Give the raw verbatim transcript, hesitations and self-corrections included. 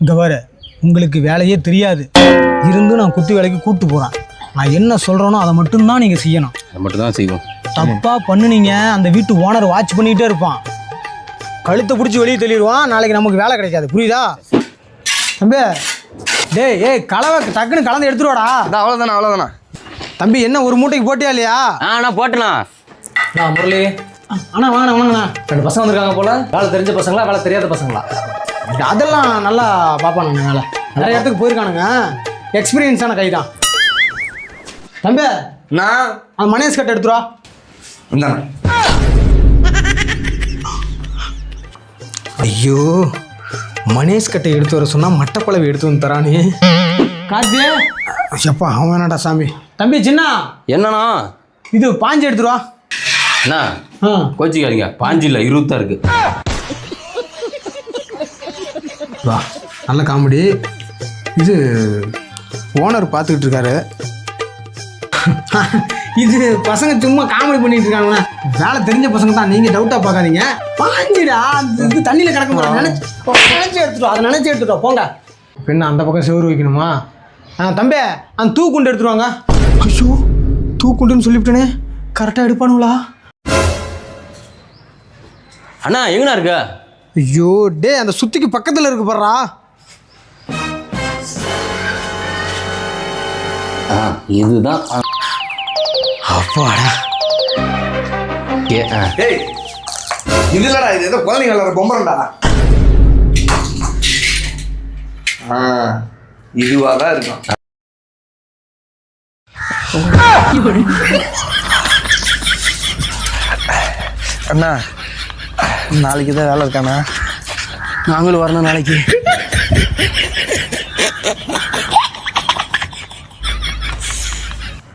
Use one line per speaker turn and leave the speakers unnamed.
இங்கே வர உங்களுக்கு வேலையே தெரியாது இருந்து நான் குத்து வேலைக்கு கூப்பிட்டு போகிறேன். நான் என்ன சொல்கிறேனோ அதை மட்டும்தான் நீங்கள் செய்யணும்.
அதை மட்டும் தான் செய்வோம்.
தப்பாக பண்ணுனீங்க அந்த வீட்டு ஓனர் வாட்ச் பண்ணிகிட்டே இருப்பான். கழுத்தை பிடிச்சி வெளியே தள்ளிடுவான். நாளைக்கு நமக்கு வேலை கிடைக்காது. புரியுதா தம்பி? டேய் ஏய் கலவை டக்குன்னு கலந்து எடுத்துருவாடா.
அவ்வளோதானே அவ்வளோதானே
தம்பி என்ன ஒரு மூட்டைக்கு போட்டியா இல்லையா?
ஆ நான் போட்டேண்ணா.
நான் முரளி.
அண்ணா வாங்கண்ணா வாங்கண்ணா.
ரெண்டு பசங்க வந்திருக்காங்க போல. வேலை தெரிஞ்ச பசங்களா வேலை தெரியாத பசங்களா?
அதெல்லாம் நல்லா பார்ப்பானுங்க. வேலை நிறைய இடத்துக்கு போயிருக்கானுங்க. எக்ஸ்பீரியன்ஸான கை தான். தம்பி
நான்
அந்த மனேஷ் கட்டை எடுத்துருவா.
இந்தாண்ணா.
ஐயோ மனேஷ் கட்டை எடுத்து வர சொன்னா மட்டக்குழவை எடுத்து வந்து தரானே. கார்த்தியே எப்பா அவன் வேணாடா சாமி. தம்பி சின்ன
என்னண்ணா
இது பாஞ்சு எடுத்துருவா.
அண்ணா
ஆ
கோச்சிக்காதீங்க, பாஞ்சு இல்லை இருபத்தா இருக்கு.
வா நல்ல காமெடி. இது ஓனர் பார்த்துக்கிட்டு இருக்காரு. இது பசங்க சும்மா காமெடி பண்ணிட்டு இருக்காங்கண்ணா. வேலை தெரிஞ்ச பசங்க தான், நீங்கள் டவுட்டாக பார்க்காதீங்க. பாஞ்சிடா அந்த இது தண்ணியில் கிடக்க மாட்டேன். நினச்சி நினச்சி எடுத்துட்டோம். அதை நினச்சி எடுத்துட்டோம். போங்க பின்ன அந்த பக்கம் செவுறு வைக்கணுமா? ஆ தம்பி அந்த தூக்குண்டு எடுத்துருவாங்க. ஐயோ தூக்குண்டுன்னு சொல்லிவிட்டேனே. கரெக்டாக எடுப்பானுங்களா?
அண்ணா எங்கண்ணா இருக்க?
ஐயோ டே அந்த சுத்திக்கு பக்கத்தில் இருக்கு பாருடா.
ஆ இதுதான்.
அப்பாடா.
ஏ ஆ
ஏய் இது இல்லடா, இது ஏதோ குழந்தைங்க விளாட்ற பொம்பரண்டா. ஆ இதுவாக தான் இருக்கும். அண்ணா நாளைக்கு தான் வேலை இருக்காண்ணா.
நாங்களும் வரணும் நாளைக்கு.